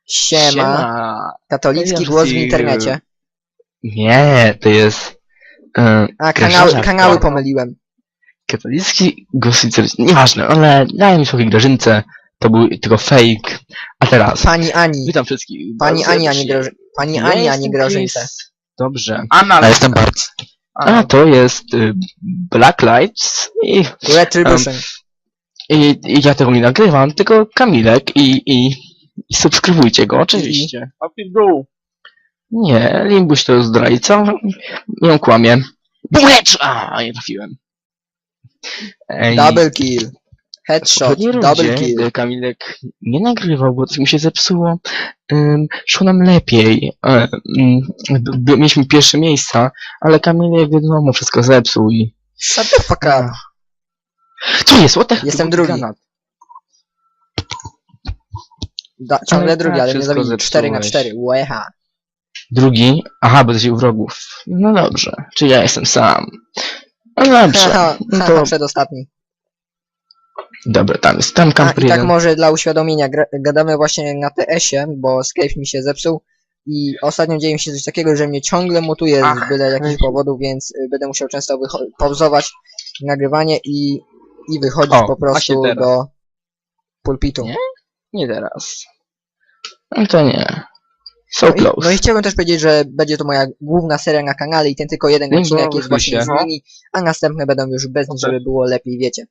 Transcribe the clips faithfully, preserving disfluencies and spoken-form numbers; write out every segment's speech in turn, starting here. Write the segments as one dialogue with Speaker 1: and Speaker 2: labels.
Speaker 1: Siema.
Speaker 2: Siema.
Speaker 1: Katolicki
Speaker 2: Ja
Speaker 1: głos w
Speaker 2: ci-
Speaker 1: internecie.
Speaker 2: Nie, to jest... E,
Speaker 1: A, kanały,
Speaker 2: Grażynka.
Speaker 1: kanały pomyliłem.
Speaker 2: Katolicki głos w internecie. Nieważne, ale daj mi sobie Grażynce. To był tylko fake. A teraz...
Speaker 1: Pani Ani.
Speaker 2: Witam wszystkich.
Speaker 1: Pani
Speaker 2: bardzo
Speaker 1: Ani, a nie
Speaker 2: serdecznie.
Speaker 1: Graży... Pani
Speaker 2: Ja
Speaker 1: Ani, a nie
Speaker 2: jestem
Speaker 1: Grażynce.
Speaker 2: Chris. Dobrze.
Speaker 3: Anna,
Speaker 2: A jestem Bart. A
Speaker 3: A,
Speaker 2: to jest y, Black Lights i,
Speaker 1: Retribution.
Speaker 2: i, i ja tego nie nagrywam, tylko Kamilek i, i, i subskrybujcie go, oczywiście.
Speaker 3: Łapki w dół.
Speaker 2: Nie, Limbuś to zdrajca. Nie kłamie. Bulecz! A, nie trafiłem. Ej,
Speaker 1: Double kill. Headshot.
Speaker 2: poprzedniej
Speaker 1: Double
Speaker 2: rundzie,
Speaker 1: kill.
Speaker 2: gdy Kamilek nie nagrywał, bo coś mi się zepsuło. Ym, szło nam lepiej. Ym, b- b- mieliśmy pierwsze miejsca, ale Kamilek wiadomo wszystko zepsuł i...
Speaker 1: Shut the fuck up.
Speaker 2: Co jest? What the heck?
Speaker 1: Jestem
Speaker 2: To był
Speaker 1: drugi.
Speaker 2: granat.
Speaker 1: Da, ciągle
Speaker 2: Ale
Speaker 1: drugi,
Speaker 2: tak,
Speaker 1: ale mnie
Speaker 2: wszystko
Speaker 1: zabili. cztery na
Speaker 2: zepsułeś.
Speaker 1: cztery. Łeha.
Speaker 2: Drugi? Aha, bo to się u wrogów. No dobrze. Czy ja jestem sam? No dobrze.
Speaker 1: Haha,
Speaker 2: No
Speaker 1: haha,
Speaker 2: to...
Speaker 1: przedostatni.
Speaker 2: Dobra, tam jest. Tam
Speaker 1: A,
Speaker 2: kamper
Speaker 1: i tak
Speaker 2: jeden.
Speaker 1: może dla uświadomienia, gra, gadamy właśnie na T S-ie, bo Skype mi się zepsuł i ostatnio dzieje mi się coś takiego, że mnie ciągle mutuje
Speaker 3: Ach.
Speaker 1: z byle jakichś powodów, więc y, będę musiał często wycho- pauzować nagrywanie i, i wychodzić
Speaker 2: O,
Speaker 1: po
Speaker 2: właśnie
Speaker 1: prostu
Speaker 2: teraz.
Speaker 1: do pulpitu.
Speaker 2: Nie? Nie teraz. No to nie. So
Speaker 1: No i,
Speaker 2: close.
Speaker 1: no i chciałbym też powiedzieć, że będzie to moja główna seria na kanale i ten tylko jeden
Speaker 2: Nie, bo
Speaker 1: odcinek jest właśnie
Speaker 2: się.
Speaker 1: z nimi, a następne będą już bez nich, żeby było lepiej, wiecie.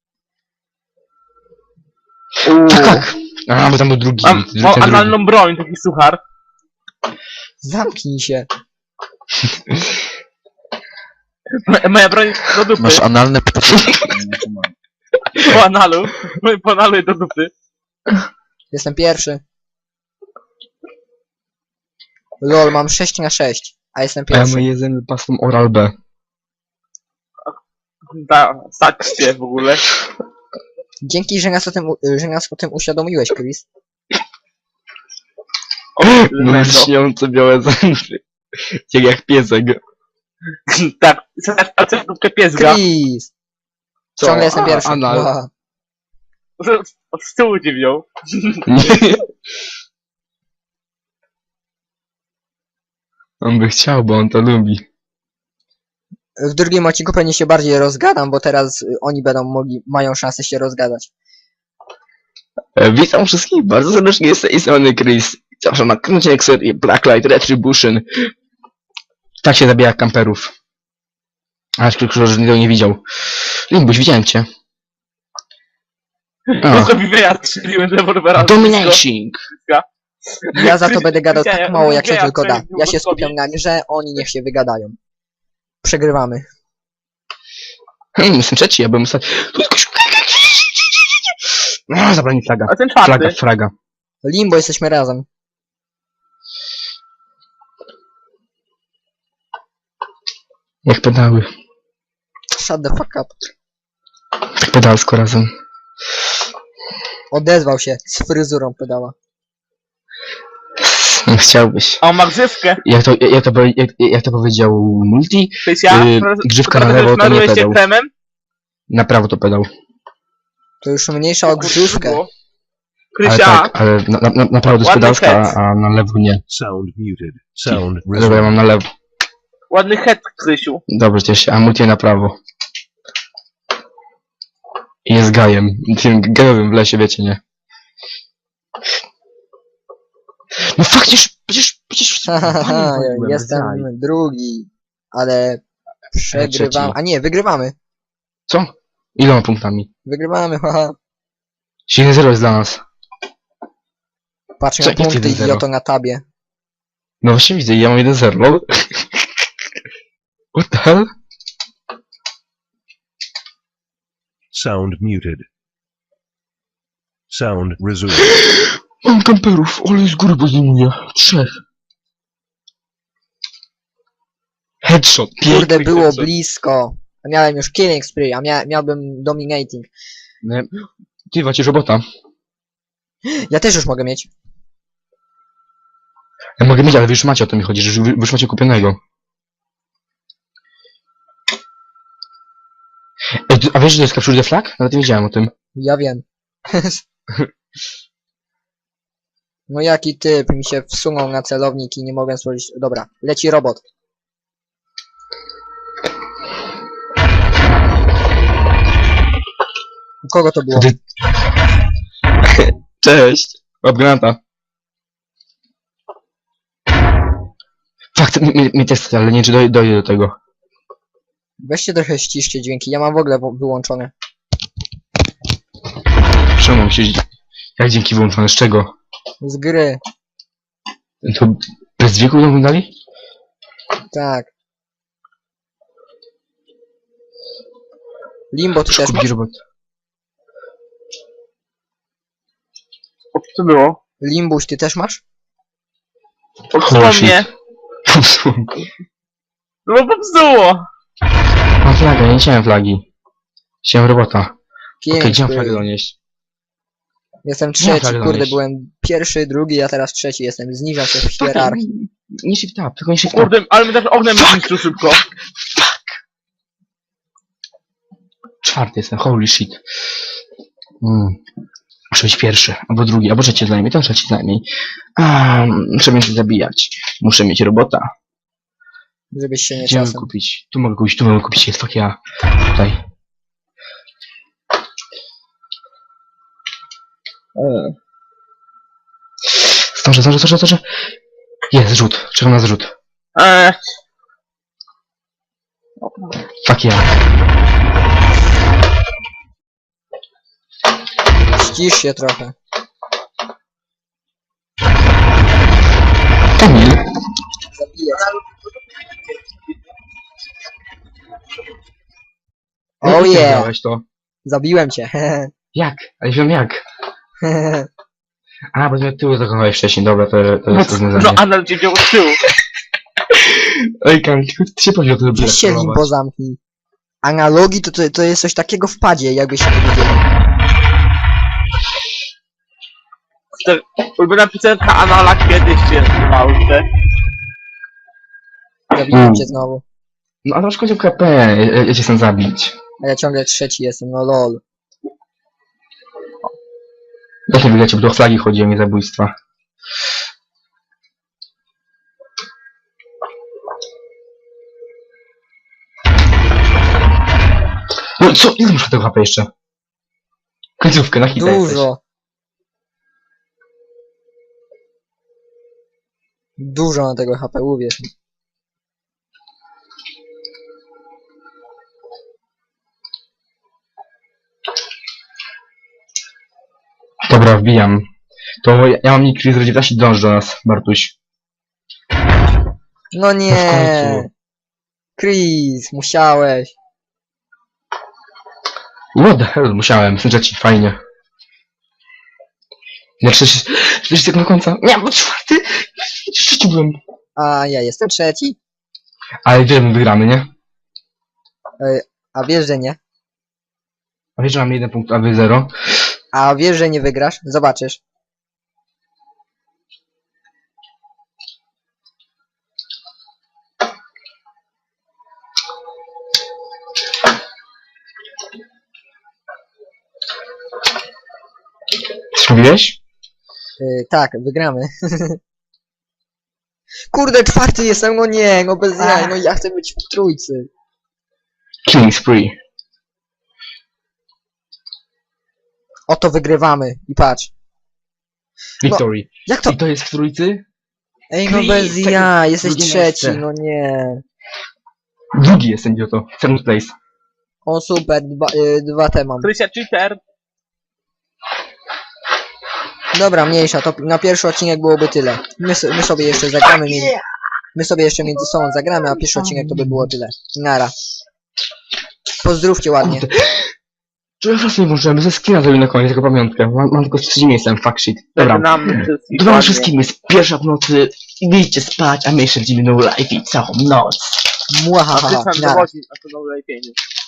Speaker 3: Uuu.
Speaker 2: Tak, tak. A, bo tam był drugi.
Speaker 3: Mam,
Speaker 2: ten
Speaker 3: mam
Speaker 2: drugi.
Speaker 3: analną broń, taki suchar.
Speaker 1: Zamknij się.
Speaker 3: Mo- Moja broń do dupy.
Speaker 4: Masz analne
Speaker 3: Po analu. Moje po analu do dupy.
Speaker 1: Jestem pierwszy. Lol, mam sześć na sześć, a jestem
Speaker 2: A ja
Speaker 1: pierwszy.
Speaker 2: mój jeden pasą Oral B.
Speaker 3: Da, stać się w ogóle.
Speaker 1: Dzięki, że nas o tym, u- że nas o tym uświadomiłeś, Chris.
Speaker 3: O,
Speaker 2: No
Speaker 3: Mendo.
Speaker 2: śniące białe zęby. Jak jak piesek.
Speaker 3: Tak, patrzę w dupkę piesga.
Speaker 1: Chris!
Speaker 2: Co?
Speaker 1: Ciągle jestem
Speaker 2: A,
Speaker 1: pierwszy.
Speaker 2: anal.
Speaker 1: Aha.
Speaker 3: Z, z tyłu cię wziął.
Speaker 2: Nie. On by chciał, bo on to lubi.
Speaker 1: W drugim odcinku pewnie się bardziej rozgadam, bo teraz y, oni będą mogli, mają szansę się rozgadać.
Speaker 2: E, witam wszystkich bardzo serdecznie, z tej strony Chris. Zawsze na kręcie serię Blacklight Retribution. Tak się zabija kamperów. Aż tylko, że nikt nie widział. Limbuś, widziałem cię.
Speaker 3: No to mi wyjazd strzeliłem z rewolwera.
Speaker 2: Domination!
Speaker 1: Ja za to będę gadał tak
Speaker 3: Widziałem,
Speaker 1: mało, jak się
Speaker 3: widziałem,
Speaker 1: tylko da.
Speaker 3: co
Speaker 1: Ja się
Speaker 3: robił
Speaker 1: skupiam na grze, oni niech się wygadają. Przegrywamy.
Speaker 2: Hmm, jestem trzeci, ja byłem ostatni. No, zabrali mi flaga.
Speaker 3: A ten
Speaker 2: Flaga,
Speaker 3: czwarty.
Speaker 2: flaga.
Speaker 1: Limbo, jesteśmy razem.
Speaker 2: Jak pedały.
Speaker 1: Shut the fuck up.
Speaker 2: Tak pedalsko razem.
Speaker 1: Odezwał się z fryzurą pedała.
Speaker 2: Nie chciałbyś.
Speaker 3: A on ma grzywkę.
Speaker 2: Jak to, jak to, jak, jak to powiedział Multi,
Speaker 3: Krysia,
Speaker 2: Yy, grzywka na lewo, to nie
Speaker 3: smarujesz się
Speaker 2: pedał.
Speaker 3: kremem.
Speaker 2: na prawo to pedał.
Speaker 1: To już mniejsza o grzywkę.
Speaker 2: Ale
Speaker 3: Krysia,
Speaker 2: tak, ale na, na, na prawo to jest
Speaker 3: Ładny
Speaker 2: pedalska,
Speaker 3: head.
Speaker 2: a na lewo nie.
Speaker 4: Sound muted. Sound
Speaker 2: Dobra, ja mam na lewo.
Speaker 3: ładny head, Krysiu.
Speaker 2: Dobrze, cieszę się, a Multi na prawo. I jest gajem. Tym gejowym w lesie, wiecie, nie? No faktycznie, przecież, przecież...
Speaker 1: Hahaha,
Speaker 2: Byłem,
Speaker 1: jestem
Speaker 2: zaj.
Speaker 1: drugi, ale przegrywam.
Speaker 2: trzeci.
Speaker 1: A nie, wygrywamy.
Speaker 2: Co? Iloma punktami?
Speaker 1: Wygrywamy, haha.
Speaker 2: siedem zero jest dla nas.
Speaker 1: Patrz
Speaker 2: Co,
Speaker 1: na
Speaker 2: jak
Speaker 1: punkty,
Speaker 2: jeden zero?
Speaker 1: idioto, na tabie.
Speaker 2: No właśnie widzę, ja mam jeden zero, lol. What the hell?
Speaker 4: Sound muted. Sound resumed.
Speaker 2: Mam kamperów, ale z góry podejmuję. Trzech. Headshot.
Speaker 1: Kurde,
Speaker 2: piękny
Speaker 1: było
Speaker 2: headshot.
Speaker 1: blisko. A miałem już killing spree, a mia miałbym dominating.
Speaker 2: Nie. Ty wacie robota.
Speaker 1: Ja też już mogę mieć.
Speaker 2: Ja mogę mieć, ale wy już macie, o to mi chodzi, że wy wy już macie kupionego. Ej, ty- a wiesz, że to jest capture the flag? Nawet nie wiedziałem o tym.
Speaker 1: Ja wiem. No jaki typ mi się wsunął na celownik i nie mogłem stworzyć... Dobra, leci robot. U kogo to było?
Speaker 2: Ty... Cześć! Łap granata. Fakt, mi, mi, mi też, ale nie wiem, czy doj, dojdę do tego.
Speaker 1: Weźcie trochę ściszcie dźwięki, ja mam w ogóle wo- wyłączone.
Speaker 2: Czemu się... Jak dzięki wyłączone? Z czego?
Speaker 1: Z gry,
Speaker 2: To bez dźwięku nam dali?
Speaker 1: tak. Limbo ty też
Speaker 2: Kupić
Speaker 1: masz?
Speaker 2: robot.
Speaker 3: O, co było?
Speaker 1: Limbuś ty też masz?
Speaker 3: Popsuło
Speaker 2: Holy shit.
Speaker 3: mnie. No bo popsuło.
Speaker 2: Mam flagę, nie chciałem flagi. Chciałem robota. Okej,
Speaker 1: Piękny.
Speaker 2: gdzie mam flagę donieść?
Speaker 1: Jestem
Speaker 2: Nie
Speaker 1: trzeci,
Speaker 2: flagę
Speaker 1: kurde,
Speaker 2: donieść.
Speaker 1: byłem pierwszy, drugi, a teraz trzeci jestem. Zniżam się w hierarchii.
Speaker 2: Nie shift up, tylko nie shift up.
Speaker 3: Kurde, ale my też ognem zniszczył szybko.
Speaker 2: Czwarty jestem, holy shit. Mm. Muszę być pierwszy, albo drugi, albo trzeci najmniej, ten trzeci najmniej. A, muszę mieć zabijać. Muszę mieć robota.
Speaker 1: Żebyś się nie
Speaker 2: Gdzie mogę
Speaker 1: czasem.
Speaker 2: kupić? Tu mogę kupić, tu mogę kupić, jest fuck ja. Tutaj. Eee. Zdążę, zdążę, zdążę, zdążę. Jest, zrzut, czekam na zrzut.
Speaker 3: Eee,
Speaker 2: Fuck ja.
Speaker 1: Ścisz się trochę.
Speaker 2: Kamil.
Speaker 1: Zabijać. Oh
Speaker 2: Jak
Speaker 1: yeah!
Speaker 2: zrobiłeś to?
Speaker 1: Zabiłem cię.
Speaker 2: Jak? Ale wiem jak. A, bo mnie tyłu zakochałeś wcześniej, dobra, to, to jest
Speaker 3: no
Speaker 2: rozwiązanie.
Speaker 3: Anal cię wziął z tyłu.
Speaker 2: Ej, Kamil, ty się powiedział, to lubię
Speaker 1: Weź się limbo zamknij. Analogii to, to, to jest coś takiego w padzie, jakby się nie wiedzieli.
Speaker 3: To ulubiona piosenka Anala kiedyś się w Polsce.
Speaker 1: Zabiłem
Speaker 2: Mm.
Speaker 1: cię znowu.
Speaker 2: No, ale masz końcu K P, ja, ja cię chcę zabić.
Speaker 1: A ja ciągle trzeci jestem, no lol.
Speaker 2: Jak nie wyglecie, bo do flagi chodzi, a nie zabójstwa. No co? Ile muszę tego H P jeszcze? Końcówkę, na hita jesteś.
Speaker 1: Dużo. Dużo na tego H P, uwierz mi.
Speaker 2: Dobra, wbijam. To ja, ja mam nick Chris dziewiętnaście, dąż do nas, Bartuś.
Speaker 1: No
Speaker 2: No w
Speaker 1: nie.
Speaker 2: końcu.
Speaker 1: Chris, musiałeś.
Speaker 2: What the hell, musiałem, słyszę ci, fajnie. Ja czterdzieści sekund do końca. Nie, bo czwarty! Trzeci byłem.
Speaker 1: A ja jestem trzeci.
Speaker 2: Ale wiesz, my wygramy, nie?
Speaker 1: A wiesz, że nie.
Speaker 2: A wiesz, że mam jeden punkt, a wy zero?
Speaker 1: A wiesz, że nie wygrasz. Zobaczysz.
Speaker 2: Co mówiłeś?
Speaker 1: Yy, tak, wygramy. Kurde, czwarty jestem, no nie, no bez jaj, no ja chcę być w trójcy.
Speaker 2: Killing spree.
Speaker 1: Oto wygrywamy i patrz.
Speaker 2: Victory.
Speaker 1: Jak to?
Speaker 2: I to jest w trójcy?
Speaker 1: Ej, no
Speaker 2: Chris,
Speaker 1: bez
Speaker 2: tego
Speaker 1: ja, jesteś
Speaker 2: drugie
Speaker 1: trzeci,
Speaker 2: miejsce.
Speaker 1: no nie.
Speaker 2: Drugi jest idioto. Seventh place.
Speaker 1: O super, dwa, yy, dwa te mam.
Speaker 3: Krysia cheater.
Speaker 1: Dobra, mniejsza, to na pierwszy odcinek byłoby tyle. My, so- my sobie jeszcze zagramy, między, my sobie jeszcze między sobą zagramy, a pierwszy odcinek to by było tyle. Nara. Pozdrówcie ładnie.
Speaker 2: Czy ja sobie możemy ze skina zrobić na koniec jako pamiątkę? Mam, mam tylko z trzecim miejscem, fuck shit. Dobra.
Speaker 3: Żegnamy wszystkich
Speaker 2: Dla was
Speaker 3: ładnie.
Speaker 2: wszystkim jest pierwsza w nocy. Idźcie spać, a my jeszcze będziemy no live i całą noc.
Speaker 3: A
Speaker 1: Muahaha,
Speaker 3: ty sam
Speaker 1: nara.
Speaker 3: dowodzi na to nowe lepieniu.